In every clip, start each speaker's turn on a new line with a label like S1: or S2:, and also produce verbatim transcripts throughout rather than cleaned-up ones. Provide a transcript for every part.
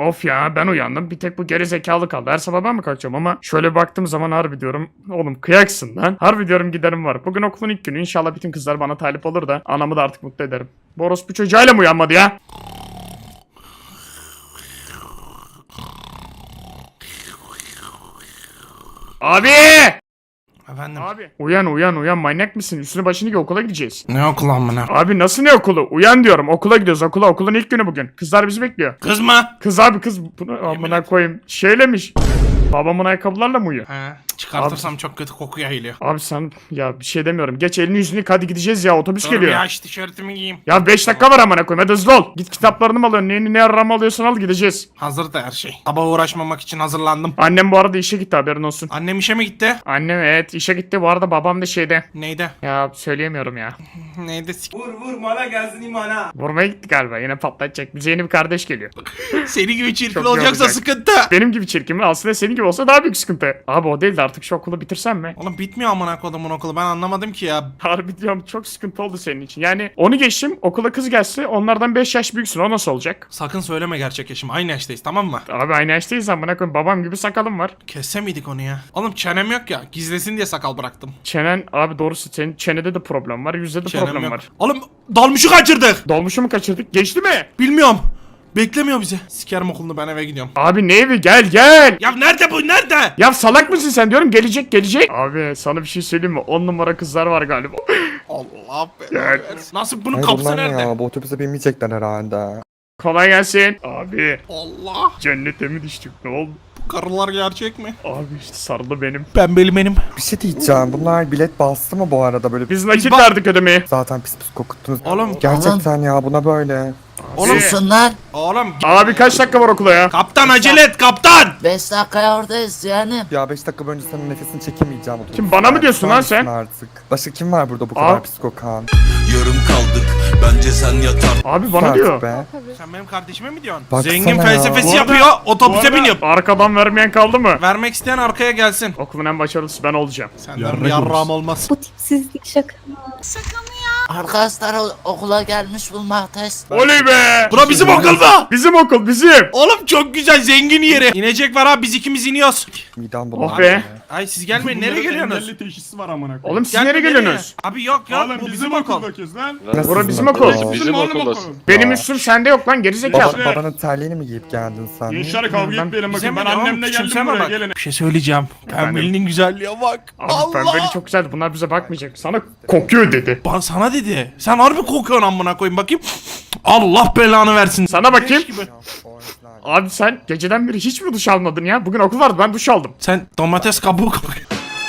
S1: Of ya, ben uyandım. Bir tek bu geri zekalı kaldı. Her sabah ben mi kalkacağım ama şöyle baktığım zaman harbi diyorum. Oğlum kıyaksın lan. Harbi diyorum giderim var. Bugün okulun ilk günü. İnşallah bütün kızlar bana talip olur da anamı da artık mutlu ederim. Bu orospu çocuğuyla mı uyanmadı ya? Abi!
S2: Efendim?
S1: Abi uyan uyan uyan, manyak mısın? Üstüne başını giy, okula gideceğiz.
S2: Ne okul amına?
S1: Abi nasıl ne okulu? Uyan diyorum, okula gidiyoruz, okula. Okulun ilk günü bugün. Kızlar bizi bekliyor.
S2: Kız mı?
S1: Kız abi, kız. Bunu amına koyayım. Şeylemiş. Babamın ayakkabılarla mı uyuyor?
S2: He. Çıkartırsam çok kötü koku yayılıyor.
S1: Abi sen ya bir şey demiyorum. Geç elini yüzünü yıka, hadi gideceğiz ya, otobüs
S2: Dur
S1: geliyor.
S2: ya, şu tişörtümü giyeyim.
S1: Ya beş dakika var amına koyayım, hadi hızlı ol. Git kitaplarını mı alıyorsun? Ne, ne arama alıyorsan al, gideceğiz.
S2: Hazır da her şey. Sabah uğraşmamak için hazırlandım.
S1: Annem bu arada işe gitti, haberin olsun.
S2: Annem işe mi gitti?
S1: Annem evet işe gitti, bu arada babam da şeyde.
S2: Neydi?
S1: Ya söyleyemiyorum ya.
S2: Neydi? S-
S3: Vur vur mala gelsin imana.
S1: Vurmaya gitti galiba, yine patlatacak. Bize yeni bir kardeş geliyor.
S2: Seni gibi çirkin
S1: Çok
S2: olacaksa
S1: yorulacak.
S2: sıkıntı.
S1: Benim gibi çirkin mi? Aslında senin gibi olsa daha büyük sıkıntı. Abi o değil de artık şu okulu bitirsem mi?
S2: Oğlum bitmiyor amına kodumun okulu, ben anlamadım ki ya.
S1: Harbi diyorum, çok sıkıntı oldu senin için. Yani onu geçtim, okula kız gelse onlardan beş yaş büyüksün, o nasıl olacak?
S2: Sakın söyleme gerçek yaşım, aynı yaştayız tamam mı?
S1: Abi aynı yaştayız amına koyayım, babam gibi sakalım var.
S2: Kesse miydik onu ya? Oğlum çenem yok ya, gizlesin diye sakal bıraktım.
S1: Çenen abi, doğrusu senin çenede de problem var, yüzde de
S2: Çenem
S1: problem
S2: yok.
S1: var.
S2: Oğlum dalmışı kaçırdık.
S1: Dolmuşu mu kaçırdık? Geçti mi?
S2: Bilmiyorum. Beklemiyor bizi. Sikerim okulunu, ben eve gidiyorum.
S1: Abi ne evi, gel gel.
S2: Ya nerede bu, nerede?
S1: Ya salak mısın sen, diyorum gelecek gelecek. Abi sana bir şey söyleyeyim mi? On numara kızlar var galiba.
S2: Allah be.
S1: Gel.
S2: Nasıl, bunun
S4: Hayır
S2: kapısı
S4: bunlar ne
S2: nerede?
S4: ya? Bu otobüse binmeyecekler herhalde.
S1: Kolay gelsin. Abi
S2: Allah.
S1: cennete mi düştük, ne oldu?
S2: Bu karılar gerçek mi?
S1: Abi işte sarılı benim.
S2: Pembeli benim.
S4: Bir şey diyeceğim. Bunlar bilet bastı mı bu arada böyle?
S1: Biz nakit
S2: bak-
S1: verdik ödemeyi.
S4: Zaten pis pis kokuttunuz.
S2: Oğlum.
S4: Gerçekten ya, buna böyle.
S2: Oğlum.
S5: Susunlar.
S2: Oğlum.
S1: Abi kaç dakika var okula ya?
S2: Kaptan acele et kaptan.
S5: beş dakika oradayız yani.
S4: Ya beş dakika boyunca senin nefesini çekemeyeceğim. otobüste.
S1: Kim, bana mı diyorsun lan sen?
S4: Artık. Başka kim var burada bu
S1: Aa.
S4: kadar pis kokan?
S6: Yarım kaldık bence sen yatar.
S1: Abi bana
S4: Artık
S1: diyor.
S4: Be.
S2: Sen benim kardeşime mi diyorsun?
S4: Baksana
S2: Zengin
S4: ya.
S2: felsefesi
S1: Bu arada-
S2: yapıyor,
S1: Bu
S2: otobüse
S1: arada
S2: biniyor.
S1: arkadan vermeyen kaldı mı?
S2: Vermek isteyen arkaya gelsin.
S1: Okulun en başarılısı ben olacağım.
S2: Senden yarrağım olmaz.
S7: Bu tipsizlik şaka mı?
S5: Arkadaşlar o- okula gelmiş bulmaktayız.
S1: Oley be!
S2: Bura bizim okul mu?
S1: Bizim okul bizim.
S2: Oğlum çok güzel, zengin yeri. İnecek var abi, biz ikimiz iniyoruz.
S4: Midem
S1: Oh
S4: bulandı.
S1: be.
S2: Ay siz gelmeyin, nereye geliyorsunuz?
S3: Engelli teşhisi var amına koyayım.
S1: Oğlum siz
S2: Gelme,
S1: nereye geliyorsunuz?
S2: Abi yok yok,
S3: Oğlum
S2: bu
S3: bizim
S2: bizim okul.
S3: okuldakız lan.
S4: Nasıl
S1: Bura
S4: sizin
S1: bizim
S4: okul?
S1: okul.
S3: Bizim okuldasın.
S1: Benim üstüm sende yok lan, gerizekalı.
S4: Baba, babanın terliğini mi giyip geldin sen?
S3: Gençler kavga
S1: Ben-
S3: etmeyelim
S2: Bize
S3: bakın.
S2: mi
S3: Ben
S2: diyor?
S3: annemle geldim
S2: Küçümseme
S3: buraya
S2: bak.
S3: gelin.
S2: Bir şey söyleyeceğim. Pembelinin güzelliğe bak.
S1: Abi
S2: Allah.
S1: pembeli çok güzeldi, bunlar bize bakmayacak. Sana kokuyor dedi.
S2: Bana sana dedi. Sen harbi kokuyorsun amına koyayım, bakayım. Allah belanı versin.
S1: Sana bakayım.
S2: Leş gibi.
S1: Abi sen geceden beri hiç mi duş almadın ya? Bugün okul vardı, ben duş aldım.
S2: Sen domates kabuğu kokuyorsun.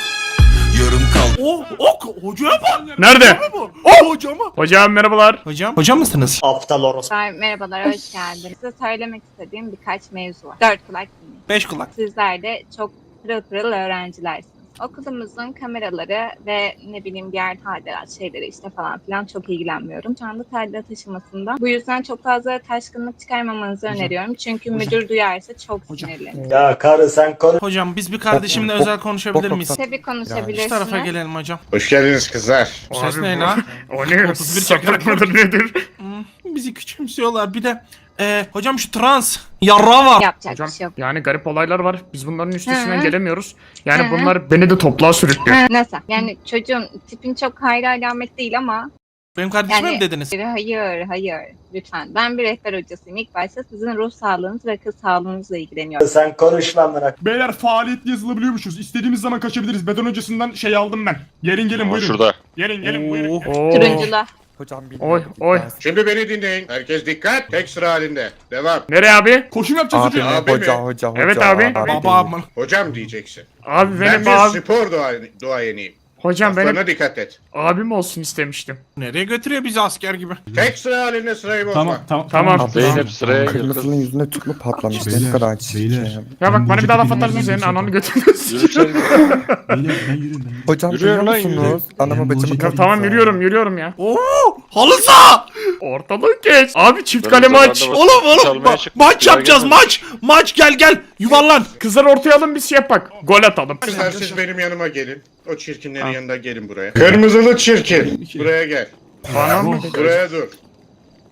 S6: Yarım kaldık.
S2: Oh, ok, hocaya bak.
S1: Nerede?
S2: Bu. Oh, hocama.
S1: Hocam merhabalar.
S2: Hocam. Hocam mısınız?
S7: Merhabalar, merhabalar, hoş geldiniz. Size söylemek istediğim birkaç mevzu var. Dört kulak dinleyin.
S2: Beş kulak.
S7: Sizler de çok pırıl pırıl öğrencilersiniz. Okulumuzun kameraları ve ne bileyim diğer tadilat şeyleri işte falan filan çok ilgilenmiyorum. Şu anda tadilat aşamasında. Bu yüzden çok fazla taşkınlık çıkarmamanızı öneriyorum. Çünkü müdür duyarsa çok sinirlenir.
S3: Ya karı sen konuş.
S2: Hocam biz bir kardeşimle
S4: Bok-
S2: özel
S4: bok-
S2: konuşabilir
S4: bok-
S2: miyiz?
S4: bok-
S7: Tabii
S2: Şu
S7: konuşabilirsiniz.
S2: tarafa gelelim hocam.
S8: Hoş geldiniz kızlar.
S2: Bu ses
S1: Abi
S2: ne
S1: bu-
S2: lan?
S1: O ne?
S2: otuz bir
S1: Sapık
S2: çakarak
S1: mıdır nedir?
S2: Hmm, bizi küçümsüyorlar. Bir de e, hocam şu trans yarra var.
S7: Yapacak
S1: Hocam
S7: bir şey yok.
S1: yani garip olaylar var. Biz bunların üstesinden
S7: Hı.
S1: gelemiyoruz. Yani
S7: Hı.
S1: bunlar beni de topluğa sürüklüyor.
S7: Ha, nasıl? Yani çocuğun tipin çok hayra alamet değil ama
S2: Benim kardeşime
S7: yani
S2: mi dediniz?
S7: hayır hayır lütfen. Ben bir rehber hocasıyım. İlk başta sizin ruh sağlığınız ve kız sağlığınızla ilgileniyorum.
S3: Sen konuşma amına. Beyler faaliyet yazılabiliyormuşuz. İstediğimiz zaman kaçabiliriz. Beden hocasından şey aldım ben. Gelin gelin buyurun.
S8: Şurada.
S3: Gelin gelin buyurun.
S2: Oo.
S1: Oo.
S7: Turuncula.
S4: Hocam bir
S1: Oy, oy.
S8: Şimdi beni dinleyin. Herkes dikkat. Tek sıra halinde. Devam.
S1: Nereye abi?
S3: Koşum yapacağız
S4: Abi
S3: hocam.
S4: ne
S8: Abi
S4: hoca
S8: mi?
S4: hoca hoca.
S1: Evet abi.
S2: Baba
S4: değil.
S2: aman.
S8: Hocam diyeceksin.
S1: Abi
S8: Ben
S1: benim
S8: bir
S1: abi.
S8: spor dua duayeniyim.
S1: Hocam benim
S8: Laflarına dikkat et.
S1: abim olsun istemiştim.
S2: Nereye götürüyor bizi asker gibi?
S8: Tek sıra halinde sırayı bozma.
S3: Tamam tamam.
S1: Tamam.
S4: Abi,
S8: Zeynep sıraya gir.
S4: Kırmızının yüzüne tüp mü patlamış? Ne
S9: Beyler,
S4: kadar çirkin.
S9: beyler.
S1: Ya bak bana bir daha laf atarsın,
S9: bilmem
S1: senin
S9: ne
S1: ananı
S9: çok-
S1: götürürsün.
S9: Beyler ben yürüyorum ben yürüyorum.
S4: Hocam
S8: Yürüyor
S4: biliyor
S8: lan, yürüyor.
S4: musunuz? Anamı
S9: Ben bu
S4: bacımı
S9: hocayı
S1: Ya tamam yürüyorum yürüyorum ya.
S2: Oo, halı saha.
S1: Ortalığı geç. Abi çift
S8: Ben
S1: kale
S8: o zaman
S1: maç.
S8: da bak-
S2: Oğlum oğlum
S8: Çalmaya
S2: ma-
S8: çıkmış,
S2: maç
S8: bir daha
S2: yapacağız
S8: gelmedi.
S2: maç. Maç gel gel yuvarlan.
S1: Kızlar ortaya alın, biz şey yapak. Gol atalım.
S8: Kızlar siz benim yanıma gelin. O çirkinlerin yanında gelin buraya. Kırmızılı çirkin. Buraya gel.
S1: Bana mı?
S8: Buraya dur.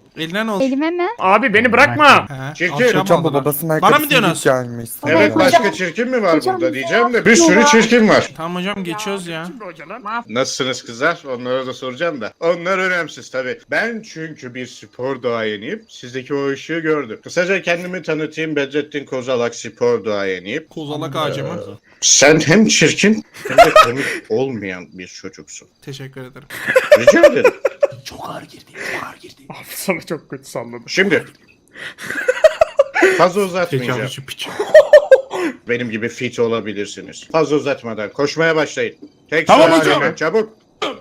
S2: Eline ne olsun?
S10: Elime mi?
S1: Abi beni bırakma.
S2: He,
S8: Çirkin.
S2: alacağım
S4: Hocam bu
S2: ondan.
S4: babasının
S2: Bana mı
S4: ayakkabısını
S2: diyorsunuz?
S4: giyip gelmiş.
S8: Evet
S4: sana.
S8: başka çirkin mi var
S10: Hocam,
S8: burada
S10: bize
S8: diyeceğim de. Bir
S10: yapıyor.
S8: sürü çirkin var.
S2: Tamam hocam geçiyoruz ya.
S1: Kim bu hoca lan?
S8: Nasılsınız kızlar? Onlara da soracağım da. Onlar önemsiz tabii. Ben çünkü bir spor duayeniyim. Sizdeki o ışığı gördüm. Kısaca kendimi tanıtayım. Bedrettin Kozalak spor duayeniyim.
S2: Kozalak ağacı mı?
S8: Sen hem çirkin hem de komik olmayan bir çocuksun.
S2: Teşekkür ederim.
S8: Rica ederim.
S9: Çok ağır girdi. Çok ağır girdi.
S1: Abi sana çok kötü salladım.
S8: Şimdi fazla
S2: Peki
S8: uzatmayacağım.
S2: abici piç.
S8: Benim gibi fit olabilirsiniz. Fazla uzatmadan koşmaya başlayın. Tek
S3: Tamam
S8: sıra
S3: hocam.
S8: halinde, çabuk.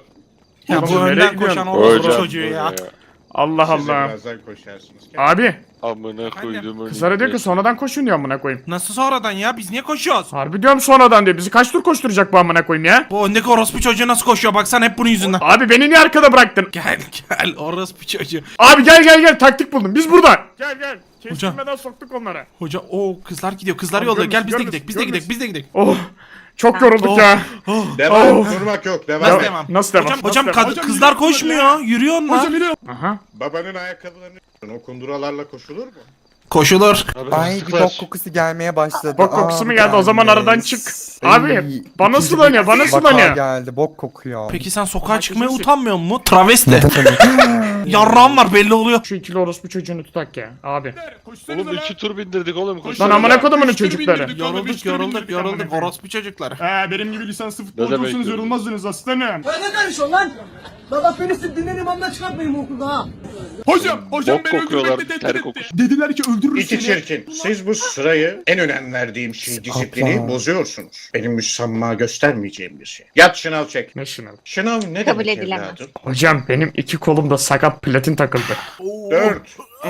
S2: Ya bu
S1: Oğlum, nereye
S2: önden
S1: gidiyorsun?
S2: koşan orospu
S11: Hocam,
S2: çocuğu ya.
S1: Allah
S8: Siz de
S1: Allah.
S8: birazdan koşarsınız.
S1: Abi
S11: Amına koydum.
S1: kızlara diyor ki sonradan koşun diyor amına koyayım.
S2: Nasıl sonradan ya? Biz niye koşuyoruz?
S1: Harbi diyorum sonradan diyor. Bizi kaç tur koşturacak bu amına koyayım ya?
S2: Bu öndeki orospu çocuğu nasıl koşuyor? Baksana hep bunun yüzünden.
S1: Abi beni niye arkada bıraktın?
S2: Gel gel orospu çocuğu.
S1: Abi gel gel gel taktik buldum. Biz buradan. Gel gel.
S2: Hocam.
S1: Kestirmeden soktuk onlara.
S2: Hoca o kızlar gidiyor. Kızlar
S1: Tamam,
S2: yolluyor. Gel
S1: görmüş,
S2: biz de
S1: görmüş,
S2: gidelim. Biz de
S1: görmüş.
S2: gidelim. Biz de gidelim.
S1: Oh. Çok yorulduk
S2: Oh.
S1: ya.
S2: Oh.
S8: Devam.
S1: Oh.
S8: Durmak yok. Devam.
S2: Nasıl
S8: et.
S2: devam?
S1: Nasıl devam?
S2: Hocam,
S1: Nasıl
S2: hocam,
S1: devam?
S2: kad-
S3: Hocam,
S2: kızlar
S3: yürüyor
S2: koşmuyor. Yürüyorsun lan.
S3: Hocam yine.
S1: Aha.
S8: Babanın ayakkabılarını o kunduralarla koşulur mu?
S2: Koşulur.
S4: Ay bir bok kokusu gelmeye başladı.
S1: Bok kokusu
S4: Aa,
S1: mu geldi? O zaman
S4: gelmiş.
S1: aradan çık. Abi,
S4: Ay,
S1: bana
S4: ikinci
S1: sulanıyor,
S4: bir
S1: bana
S4: vaka
S1: sulanıyor.
S4: geldi bok kokuyor.
S2: Peki sen sokağa
S1: Ama
S2: çıkmaya
S1: kesin-
S2: utanmıyor mu? Travesti. Yarrağım var belli oluyor.
S1: Şu ikili orospu çocuğunu tutak ya abi.
S3: Koşsanıza
S11: Oğlum
S3: lan.
S11: iki tur bindirdik oğlum. Koş.
S1: Lan amına kodumunun
S3: Üç tur
S1: çocukları.
S3: bindirdik oğlum, üç
S2: Yorulduk
S3: tur
S2: yorulduk
S3: bindirdik
S2: yorulduk
S3: amına koyayım.
S2: orospu çocuklar.
S3: He benim gibi lisanslı
S11: demek
S3: futbolcuysanız
S11: yorulduk?
S3: yorulmazdınız aslanım.
S12: Ne karışıyorsun lan? La bak beni siz dinlen imamdan çıkartmayın bu okulda ha.
S3: Hocam, hocam
S11: Bok
S3: beni
S11: kokuyorlar,
S3: öldürmekle tehdit
S11: ter
S3: etti.
S11: kokusu.
S3: Dediler ki öldürürüz
S8: İki
S3: seni.
S8: çirkin. Siz bu sırayı en önem verdiğim şey disiplini
S4: Kaplan.
S8: bozuyorsunuz. Benim müsamma göstermeyeceğim bir şey. Yat şınav çek.
S1: Ne şınav?
S8: Şınav ne
S7: Kabul
S8: demek
S7: edilemez.
S8: evladım?
S1: Hocam benim iki kolumda sakat platin takıldı.
S8: Dört.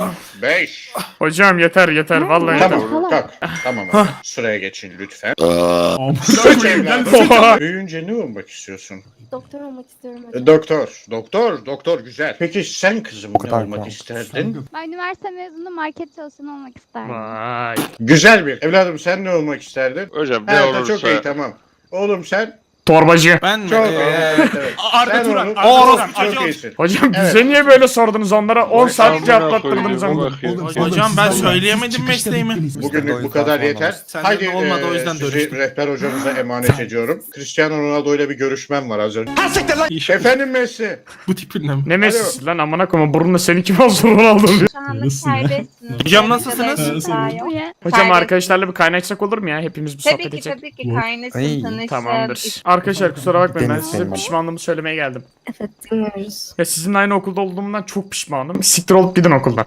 S8: Beş.
S1: Hocam yeter yeter vallahi yeter.
S8: Tamam kalk. Tamam abi. Sıraya geçin lütfen.
S3: Amına
S8: Sıç
S3: koyayım, gel
S8: evladım.
S3: sıç.
S8: Büyüyünce ne olmak istiyorsun?
S10: Doktor olmak istiyorum
S8: E, Doktor. Doktor. Doktor güzel. Peki sen kızım ne
S4: kadar
S8: olmak
S4: kalk.
S8: isterdin?
S10: Ben üniversite mezunu market çalışanı olmak isterdim.
S1: Vay.
S8: Güzel bir. Evladım sen ne olmak isterdin?
S11: Hocam ne
S8: Evet
S11: olursa.
S8: çok iyi tamam. Oğlum sen
S1: Torbacı.
S2: Ben mi?
S8: çok
S2: Ee,
S8: evet, evet.
S3: Arda
S8: Sen
S3: Turan,
S8: onu-
S3: Arda
S2: Oğlum,
S3: Turan.
S8: çok
S2: hocam.
S8: iyisin.
S1: Hocam
S8: Evet.
S1: bize niye böyle sordunuz onlara? on saat
S11: Amına
S1: cevaplattırdınız
S11: koydum,
S1: ama.
S11: bak ya.
S2: Hocam ben söyleyemedim mesleğimi.
S8: Bugünlük bu kadar yeter.
S2: Senden
S8: Haydi
S2: de olmadı, o
S8: eee,
S2: yüzden
S8: sizi
S2: dönüştüm.
S8: rehber hocamıza emanet ediyorum. Cristiano Ronaldo ile bir görüşmem var az önce.
S2: İş-
S8: Efendim Messi.
S2: Bu tipinle mi?
S1: Ne Messi'si lan amına koyma burnuna seni kim alsın Ronaldo diyor.
S7: Şu anda
S3: Nasılsın ya?
S7: serbestsiniz.
S2: Hocam nasılsınız?
S7: Arkadaşlar daha yok.
S10: Buraya
S1: Hocam
S7: Serbest.
S1: arkadaşlarla bir kaynaşsak olur mu ya? Hepimiz bir
S7: Tabii
S1: sohbet
S7: ki
S1: edecek.
S7: tabii ki kaynasın
S4: Ay,
S7: tanışın.
S1: Tamamdır. Arkadaşlar kusura bakmayın ben
S4: Deniz
S1: size
S4: benim.
S1: pişmanlığımı söylemeye geldim.
S10: evet dinliyoruz.
S1: Ya sizinle aynı okulda olduğumdan çok pişmanım. Siktir olup gidin okuldan.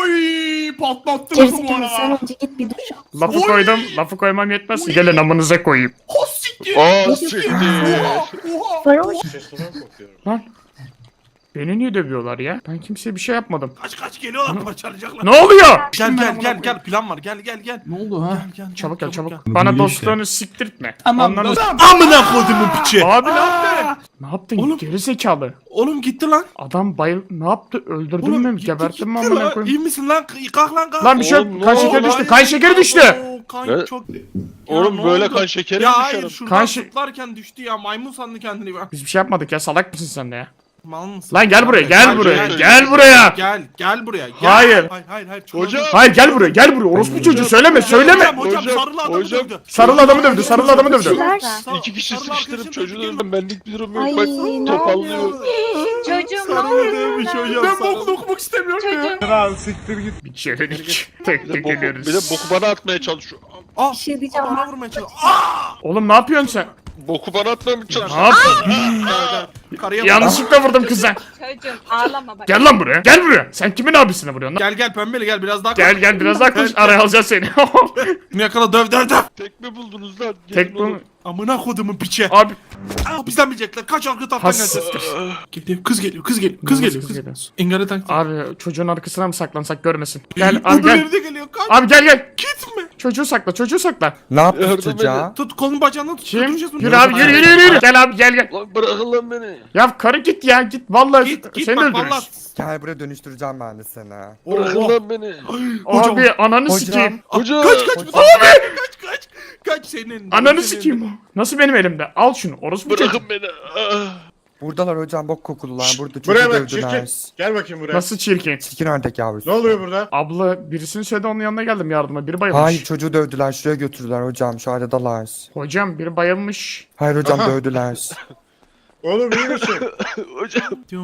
S3: Oy patlattı lafı bu
S10: Gerizekalı sen
S3: arada.
S10: önce git bir duş al.
S1: Lafı
S3: Oy!
S1: koydum. Lafı koymam yetmez. Gelin amınıza koyayım.
S3: Hos siktir.
S11: Aa siktir.
S3: Oha oha.
S10: Varoş.
S8: Sesine kokuyorum.
S1: Lan. Beni niye dövüyorlar ya? Ben kimseye bir şey yapmadım.
S2: Kaç kaç geliyorlar parçalayacaklar.
S1: Ne oluyor?
S2: Gel gel gel gel plan var gel gel gel.
S9: Ne oldu ha?
S2: Gel gel
S1: Çabuk gel çabuk.
S2: gel.
S1: Bana
S9: Biliyor
S1: dostluğunu siktirtme.
S3: Tamam
S1: Ondan-
S3: dostum.
S2: Amına koyduğumun piçi.
S1: Abi ne yaptın? Ne yaptın?
S2: Oğlum.
S1: Geri zekalı.
S2: Oğlum gitti lan.
S1: Adam bayıl... Ne yaptı? Öldürdün
S2: Oğlum
S1: mü?
S2: gitti,
S1: Geberttin mi
S2: gitti
S1: amına
S2: lan.
S1: koyayım?
S2: İyi misin lan? Kalk lan kalk.
S1: Lan bir şey yok.
S11: Oğlum, ne
S1: Kan
S11: oldu
S1: şekeri
S11: lan?
S1: düştü. Kan şekeri düştü.
S2: Oo, kan
S11: Ne?
S2: çok...
S11: Oğlum
S2: ne
S11: böyle
S2: oldu?
S11: kan şekeri
S2: Ya
S11: mi
S2: hayır
S11: düşerim?
S2: şuradan
S1: Kan şe-
S2: zıplarken düştü ya maymun sandı kendini be.
S1: Biz bir şey yapmadık ya. Salak mısın sen de ya?
S2: Mal mısın?
S1: Lan gel buraya. Gel
S11: Gel,
S1: buraya.
S11: gel.
S1: Gel buraya.
S2: Gel gel buraya. Gel.
S1: Hayır.
S2: Hayır hayır hayır. Çok
S11: Hocam.
S2: özür-
S1: Hayır gel buraya. Gel buraya. Orospu çocuğu söyleme. Söyleme.
S2: Hocam hocam
S11: Hocam,
S2: sarılı adamı
S11: hocam.
S2: dövdü.
S1: Sarılı adamı dövdü. Sarılı adamı dövdü.
S2: Sar-
S11: İki kişi
S2: sarılı
S11: sıkıştırıp
S2: arkadaşım
S11: çocuğu
S2: dövdü.
S11: öldüm. Benlik bir durum yok.
S10: Ay,
S11: Bak
S10: ne
S11: topallıyor.
S7: Çocuğum ne
S2: Sarılı
S7: oluyor?
S2: dövmüş hocam.
S3: Ben
S2: sarılı.
S3: bokunu okumak istemiyorum ya.
S7: Çocuğum
S1: Bir çevirdik. Tek
S11: Bir de
S1: tek
S11: boku,
S1: geliyoruz.
S11: bir de boku bana atmaya çalışıyor.
S2: Ah
S10: Bir şey diyeceğim.
S2: bana vurmaya çalışıyor. Ah!
S1: Oğlum ne yapıyorsun sen?
S11: Boku bana atmaya mı
S1: Ne
S11: çalışıyor?
S1: yapıyorsun?
S2: Karıya
S1: Yanlışlıkla vurdum kıza.
S7: çocuğum ağlama bak.
S1: Gel lan buraya. Gel buraya. Sen kimin abisine vuruyorsun lan?
S2: Gel gel pembeli gel biraz daha
S1: Gel gel biraz daha konuş. Araya alacağız seni.
S2: Bunu yakala döv döv döv.
S11: Tek mi buldunuz lan?
S1: Tek
S11: Gelin
S1: bu.
S11: oğlum.
S2: Amına kodumun piçe.
S1: Abi.
S2: Aa, bizden bilecekler. Kaç arka taraftan
S1: Has.
S2: gelsin. Geliyor kız geliyor kız geliyor kız
S1: Nasıl
S2: geliyor.
S1: kız
S2: Kız
S1: geliyor?
S2: Engare tank.
S1: Abi çocuğun arkasına mı saklansak görmesin. Gel abi gel.
S2: Öbürleri de geliyor. Kaç.
S1: Abi gel gel.
S2: Gitme.
S1: Çocuğu sakla çocuğu sakla.
S4: Ne yaptı
S11: Yardım
S4: çocuğa?
S2: Tut kolun bacağından tut.
S1: Kim?
S2: götüreceğiz bunu.
S1: Yürü abi yürü yürü yürü. yürü. Gel abi gel gel.
S11: Lan bırakın lan beni.
S1: Ya karı git ya git. Vallahi
S2: Git git
S1: seni
S2: bak
S1: öldürürüz.
S2: valla.
S4: Gel buraya dönüştüreceğim ben de seni.
S11: Bırakın
S2: Oh.
S11: lan beni.
S2: Hocam.
S1: Abi ananı
S4: Hocam.
S1: sikeyim.
S11: Hoca.
S2: Kaç kaç.
S4: Hocam.
S2: Abi. Kaç kaç. Kaç senin.
S1: Ananı
S2: senin.
S1: sikeyim o. Nasıl benim elimde? Al şunu. Orospu çocuğu.
S11: Bırakın beni. Ah.
S4: Buradalar hocam, bok kokulular.
S8: Şşt,
S4: Burada
S8: buraya
S4: çocuğu
S8: bak
S4: dövdüler.
S8: çirkin. Gel bakayım buraya.
S1: Nasıl çirkin?
S4: Çirkin ördek yavrusu.
S8: Ne oluyor burada?
S1: Abla birisini söyledi onun yanına geldim yardıma. Biri bayılmış.
S4: Hayır, çocuğu dövdüler. Şuraya götürdüler hocam. Şu aradalar.
S1: Hocam biri bayılmış.
S4: Hayır hocam,
S8: Aha.
S4: dövdüler.
S8: Oğlum iyi misin?
S11: Hocam.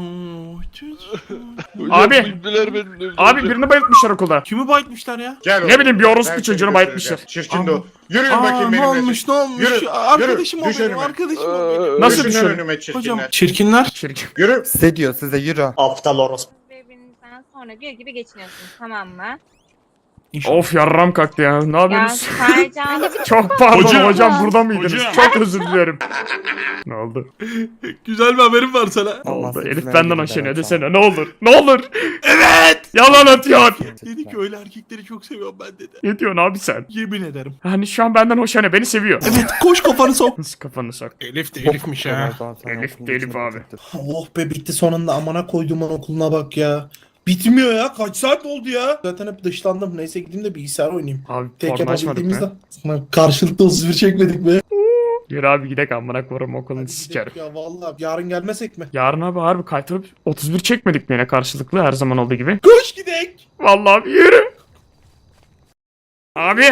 S11: Hocam
S1: Abi.
S11: bu ibneler benim dövdü
S1: Abi
S11: hocam.
S1: birini bayıltmışlar okulda.
S2: Kimi bayıltmışlar ya?
S8: Gel
S1: Ne
S8: oğlum.
S1: bileyim, bir orospu
S8: Ben
S1: çocuğunu
S8: seni
S1: bayıltmışlar.
S8: götüreceğim. Çirkin de o. Yürüyün
S2: Aa,
S8: bakayım
S2: ne
S8: benimle.
S2: olmuş ne olmuş?
S8: Yürü,
S2: Arkadaşım
S8: yürü,
S2: o
S8: düş
S2: benim,
S8: önüme.
S2: arkadaşım o benim.
S1: Nasıl
S8: Düşünün
S1: düşün?
S8: önüme çirkinler.
S2: Hocam çirkinler.
S1: Çirkin.
S8: Yürü.
S4: Size diyor, size yürü.
S12: Aptal orospu.
S7: Birbirinizden sonra gül gibi geçiniyorsunuz, tamam mı?
S1: Of yarram kalktı ya. Ne
S7: Ya
S1: yapıyorsunuz?
S7: Sercan
S1: Çok pardon hocam,
S3: Hocam.
S1: burada mıydınız?
S3: Hocam.
S1: Çok özür dilerim. Ne oldu?
S2: Güzel bir haberim var sana.
S1: Ne oldu?
S4: Olmaz,
S1: Elif
S4: hepsine
S1: benden
S4: gider
S1: hoşlanıyor
S4: hocam.
S1: desene, ne olur. Ne olur.
S2: Evet.
S1: Yalan atıyor.
S2: Dedi ki öyle erkekleri çok seviyorum ben dedi.
S1: Ne diyorsun abi sen?
S2: Yemin ederim.
S1: Hani şu an benden hoşlanıyor, beni seviyor.
S2: Evet, koş kafanı sok.
S1: Nasıl kafanı sok?
S2: Elif de
S4: Elif'miş
S1: Elif de Elif abi.
S12: Oh be, bitti sonunda, amına koyduğumun okuluna bak ya. Bitmiyor ya, kaç saat oldu ya. Zaten hep dışlandım, neyse gideyim de bilgisayar oynayayım.
S1: Abi
S12: Tek
S1: porno açmadık
S12: yapabildiğimizde.
S1: mı?
S12: Lan karşılıklı otuz bir çekmedik mi?
S1: Yürü abi gidek amına koyarım, okulunu
S12: Hadi
S1: sikerim.
S12: gidelim ya, vallahi yarın gelmesek mi?
S1: Yarın abi harbi kaytırıp otuz bir çekmedik mi yine karşılıklı her zaman olduğu gibi?
S12: Koş gidek.
S1: Vallahi abi yürü. Abi.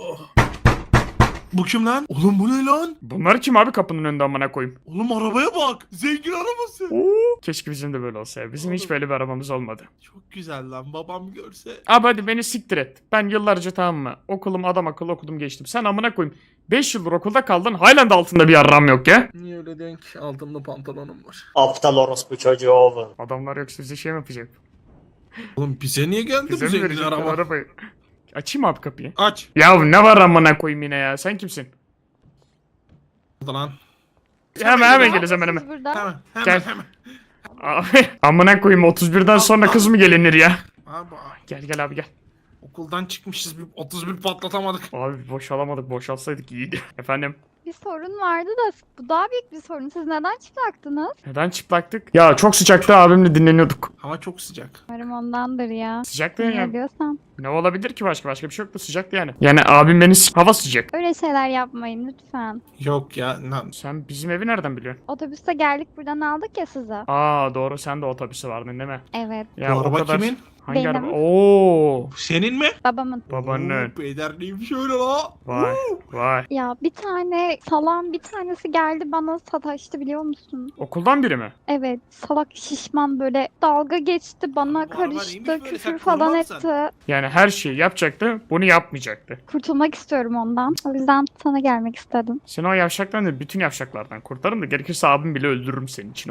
S2: Bu kim lan? Oğlum bu ne lan?
S1: Bunlar kim abi kapının önünde amına koyayım?
S2: Oğlum arabaya bak. Zengin arabası.
S1: Oo, keşke bizim de böyle olsa ya. Bizim hiç böyle bir arabamız olmadı.
S2: Çok güzel lan, babam görse.
S1: Abi hadi beni siktir et. Ben yıllarca, tamam mı? Okulum adam akıllı okudum geçtim. Sen amına koyayım. beş yıldır okulda kaldın. Halen de altında bir yarram yok ya.
S12: Niye öyle diyorsun ki? Altımda pantolonum var.
S9: Aptal orospu çocuğu oğlum.
S1: Adamlar yoksa bize şey mi yapacak?
S2: Oğlum bize niye geldi
S1: Bize
S2: bu
S1: mi
S2: zengin
S1: verecekler
S2: araba?
S1: arabayı? Açayım abi kapıyı.
S2: Aç.
S1: Ya ne var amına koyayım yine ya? Sen kimsin?
S2: Lan.
S1: Hemen hemen geleceğiz hemen hemen.
S10: Burada.
S2: Hemen hemen
S1: Gel.
S2: hemen.
S1: Abi amına koyayım, otuz birden sonra kız mı gelinir ya?
S2: Abi
S1: Gel gel abi gel.
S2: okuldan çıkmışız, bir otuz bir patlatamadık.
S1: Abi boşalamadık, boşalsaydık iyiydi. Efendim?
S10: Bir sorun vardı da bu daha büyük bir sorun. Siz neden çıplaktınız?
S1: Neden çıplaktık? Ya çok sıcaktı, abimle dinleniyorduk.
S2: Hava çok sıcak.
S10: Umarım ondandır ya.
S1: Sıcaktı
S10: Ne
S1: ya.
S10: diyorsam.
S1: Ne olabilir ki başka? Başka bir şey yoktu, sıcaktı yani. Yani abim beni s- hava sıcak.
S10: Öyle şeyler yapmayın lütfen.
S2: Yok ya. Lan.
S1: Sen bizim evi nereden biliyorsun?
S10: Otobüste geldik buradan aldık ya sizi.
S1: Aa doğru, sen de otobüse vardın değil mi?
S10: Evet.
S1: Ya
S2: Bu
S1: o
S2: araba
S1: kadar...
S2: kimin?
S1: Hangi
S10: Benim.
S1: araba? Oo,
S2: Senin mi?
S10: Babamın.
S1: babanın.
S2: Oo, Peder neymiş öyle la?
S1: Vay vay.
S10: Ya bir tane salan bir tanesi geldi bana sataştı biliyor musun?
S1: Okuldan biri mi?
S10: Evet, salak şişman böyle dalga geçti bana
S2: Bu araba neymiş
S10: karıştı
S2: böyle?
S10: küfür
S2: Sen
S10: falan
S2: korumaz mısın?
S10: etti.
S1: Yani her şeyi yapacaktı, bunu yapmayacaktı.
S10: Kurtulmak istiyorum ondan. O yüzden sana gelmek istedim.
S1: Seni o yavşaktan değil, bütün yavşaklardan kurtarırım da gerekirse abim bile öldürürüm senin için.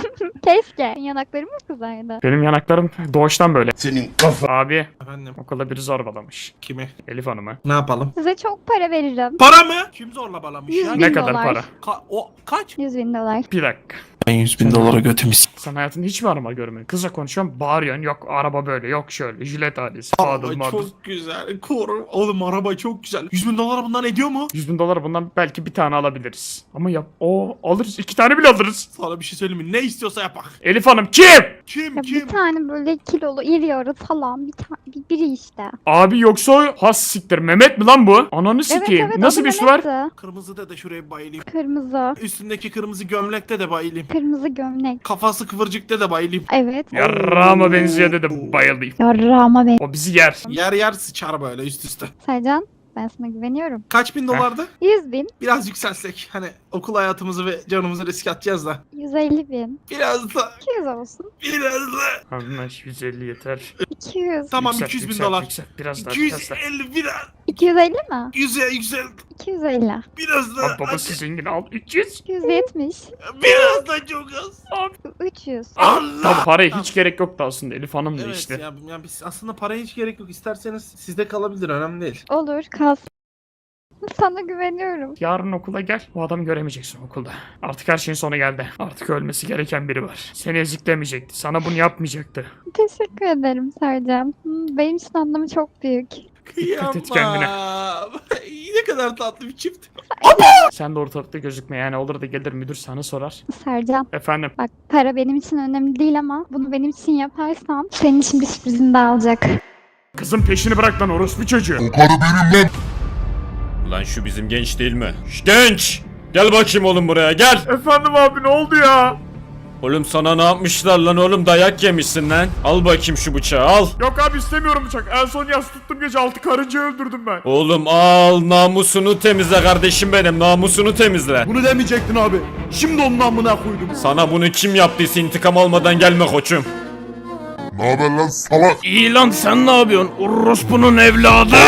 S10: Keşke. Yanaklarım mı kızardı?
S1: Benim yanaklarım doğuştan böyle.
S6: Senin kafa.
S1: Abi
S2: Efendim
S1: okulda biri zorbalamış.
S2: kimi?
S1: Elif Hanım'ı.
S2: Ne yapalım?
S10: Size çok para veririm.
S2: Para mı? Kim zorla balamış ya?
S10: Yüz bin
S1: Ne kadar
S10: dolar.
S1: para?
S2: Ka- o kaç?
S10: yüz bin dolar.
S1: Bir dakika.
S2: Ben yüz bin dolara götümüz.
S1: Sen hayatında hiç mi araba görmedin? Kızla konuşuyorsun, bağırıyorsun. Yok araba böyle, yok şöyle. Jilet ailesi. Fadıl
S2: Araba
S1: madıl.
S2: çok güzel. Korum. Oğlum araba çok güzel. yüz bin dolara bundan ediyor mu?
S1: yüz bin dolar bundan belki bir tane alabiliriz. Ama yap, o alırız. iki tane bile alırız.
S2: Sana bir şey söyleyeyim mi? Ne istiyorsa yapak.
S1: Elif Hanım kim?
S2: Kim
S10: Ya
S2: kim?
S10: bir tane böyle kilolu iri yarı falan bir tane bir, biri işte.
S1: Abi yoksa o has siktir. Mehmet mi lan bu? Ananı sikeyim.
S10: Evet evet
S1: Nasıl
S10: adı
S1: bir üstü var?
S10: Mehmet'ti.
S2: Kırmızı da şuraya bir bayılayım.
S10: Kırmızı.
S2: Üstündeki kırmızı gömlekte de bayılayım.
S10: Kırmızı gömlek.
S2: Kafası kıvırcıkta da bayılayım.
S10: Evet.
S1: Yarrağıma benziyor dedim. Bayılayım.
S10: Yarrağıma ben.
S1: O bizi yer.
S2: Yer yer sıçar böyle üst üste.
S10: Sercan ben sana güveniyorum.
S2: Kaç bin dolardı?
S10: yüz bin.
S2: Biraz yükselsek. Hani okul hayatımızı ve canımızı riske atacağız da.
S10: yüz elli bin.
S2: Biraz da.
S10: iki yüz olsun.
S2: Biraz da.
S1: Anlaş yüz elli yeter.
S10: iki yüz.
S2: Tamam
S1: Yükselt,
S2: iki yüz bin
S1: yükselt,
S2: dolar.
S1: yükselt. Biraz daha biraz daha.
S2: iki yüz elli biraz.
S10: iki yüz elli mi?
S2: Yüze yüksel.
S10: iki yüz elli.
S2: Biraz da.
S1: Abi babası zengin al. üç yüz.
S10: iki yüz yetmiş.
S2: Biraz da çok az.
S10: üç yüz.
S2: Allah.
S1: Tabi paraya hiç gerek yoktu aslında. Elif Hanım da
S2: Evet
S1: işte.
S2: ya, ya biz aslında paraya hiç gerek yok. İsterseniz sizde kalabilir, önemli değil.
S10: Olur kalsın. Sana güveniyorum.
S1: Yarın okula gel. Bu adamı göremeyeceksin okulda. Artık her şeyin sonu geldi. Artık ölmesi gereken biri var. Seni eziklemeyecekti. Sana bunu yapmayacaktı.
S10: Teşekkür ederim Sercan. Hmm, Benim için anlamı çok büyük.
S1: Dikkat et kendine.
S2: Kıyamam. Ne kadar tatlı bir çift.
S1: Sen de ortalıkta gözükme yani. Olur da gelir müdür sana sorar.
S10: Sercan
S1: Efendim.
S10: bak para benim için önemli değil ama bunu benim için yaparsan senin için bir sürprizini daha alacak.
S1: Kızın peşini bırak lan orospu çocuğu.
S9: Lan şu bizim genç değil mi? Şş, genç! Gel bakayım oğlum buraya gel.
S1: Efendim abi ne oldu ya? Oğlum sana ne yapmışlar lan oğlum, dayak yemişsin lan. Al bakayım şu bıçağı al.
S3: Yok abi istemiyorum bıçak. En son yas tuttum gece altı karıncayı öldürdüm ben.
S1: Oğlum al, namusunu temizle kardeşim benim, namusunu temizle.
S3: Bunu demeyecektin abi. Şimdi onun amına koydum.
S1: Sana bunu kim yaptıysa intikam almadan gelme koçum.
S11: Ne haber lan salak?
S1: İyi lan, sen ne yapıyorsun? Orospu'nun evladı.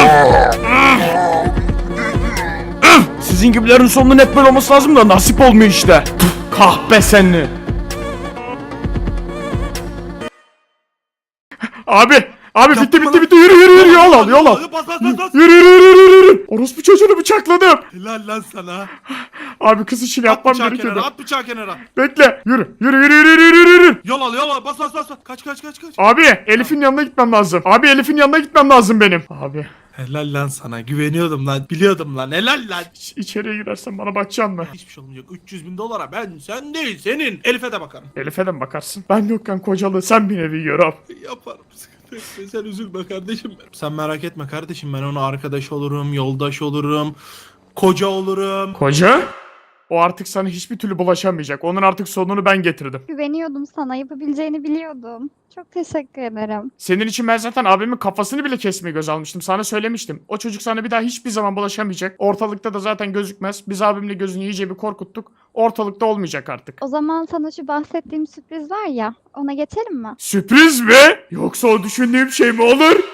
S3: Sizin gibilerin sonunun hep böyle olması lazım da nasip olmuyor işte. Kahpe seni. Abi, abi bitti bitti bitti yürü yürü yürü yol al yol al.
S2: Bas bas bas bas.
S3: Yürü yürü yürü yürü yürü. Orospu çocuğunu bıçakladım.
S2: Helal lan sana.
S3: Abi kız işini
S2: At
S3: yapmam
S2: bıçağı
S3: gerekiyordu.
S2: kenara, at bıçağı kenara.
S3: Bekle. Yürü yürü yürü yürü yürü yürü yürü.
S2: Yol al yol al, bas bas bas. bas. Kaç kaç kaç kaç.
S3: Abi Elif'in yanına gitmem lazım. Abi Elif'in yanına gitmem lazım benim. Abi
S2: Helal lan sana, güveniyordum lan, biliyordum lan, helal lan.
S3: iç- içeriye girersen bana bakacaksın mı?
S2: Hiçbir şey olmayacak, üç yüz bin dolara ben, sen değil senin. Elif'e de bakarım.
S3: Elif'e de mi bakarsın? Ben yokken kocalı sen bir nevi gör abi.
S2: Yaparım, sıkıntı yok. Sen üzülme kardeşim benim. Sen merak etme kardeşim, ben ona arkadaş olurum, yoldaş olurum, koca olurum.
S3: Koca? O artık sana hiçbir türlü bulaşamayacak. Onun artık sonunu ben getirdim.
S10: Güveniyordum sana, yapabileceğini biliyordum. Çok teşekkür ederim.
S3: Senin için ben zaten abimin kafasını bile kesmeyi göz almıştım. Sana söylemiştim. O çocuk sana bir daha hiçbir zaman bulaşamayacak. Ortalıkta da zaten gözükmez. Biz abimle gözünü iyice bir korkuttuk. Ortalıkta olmayacak artık.
S10: O zaman sana şu bahsettiğim sürpriz var ya, ona geçelim mi?
S3: Sürpriz mi? Yoksa o düşündüğüm şey mi olur?